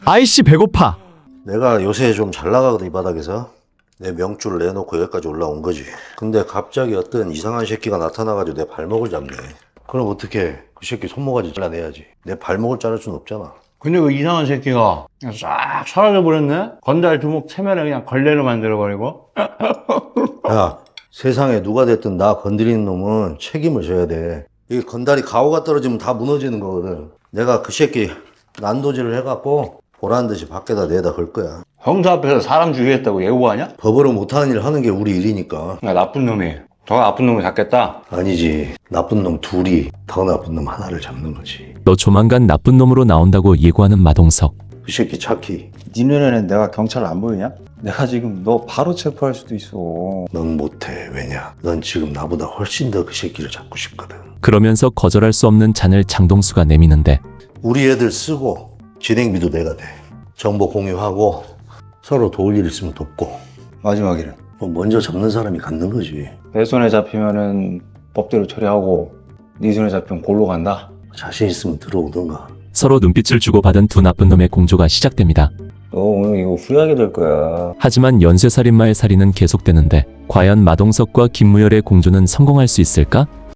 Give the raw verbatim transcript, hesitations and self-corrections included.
아이씨 배고파. 내가 요새 좀 잘 나가거든, 이 바닥에서. 내 명줄을 내놓고 여기까지 올라온 거지. 근데 갑자기 어떤 이상한 새끼가 나타나가지고 내 발목을 잡네. 그럼 어떻게? 그 새끼 손모가지 잘라내야지. 내 발목을 자를 순 없잖아. 근데 그 이상한 새끼가 그냥 싹 사라져버렸네? 건달 두목 체면에 그냥 걸레로 만들어버리고. 야, 세상에 누가 됐든 나 건드리는 놈은 책임을 져야 돼. 이 건달이 가오가 떨어지면 다 무너지는 거거든. 내가 그 새끼 난도질을 해갖고 보란 듯이 밖에다 내다 걸 거야. 형사 앞에서 사람 죽이겠다고 예고하냐? 법으로 못하는 일을 하는 게 우리 일이니까. 야, 나쁜 놈이 더 나쁜 놈을 잡겠다. 아니지. 나쁜 놈 둘이 더 나쁜 놈 하나를 잡는 거지. 너 조만간 나쁜 놈으로 나온다고 예고하는 마동석. 그 새끼 착히. 네 눈에는 내가 경찰 안 보이냐? 내가 지금 너 바로 체포할 수도 있어. 넌 못해. 왜냐? 넌 지금 나보다 훨씬 더 그 새끼를 잡고 싶거든. 그러면서 거절할 수 없는 잔을 장동수가 내미는데 우리 애들 쓰고 진행비도 내가 돼. 정보 공유하고 서로 도울 일 있으면 돕고. 마지막에는 뭐 먼저 잡는 사람이 갖는 거지. 내 손에 잡히면은 법대로 처리하고 네 손에 잡히면 골로 간다. 자신 있으면 들어오던가. 서로 눈빛을 주고받은 두 나쁜 놈의 공조가 시작됩니다. 너 오늘 이거 후회하게 될 거야. 하지만 연쇄살인마의 살인은 계속되는데 과연 마동석과 김무열의 공조는 성공할 수 있을까?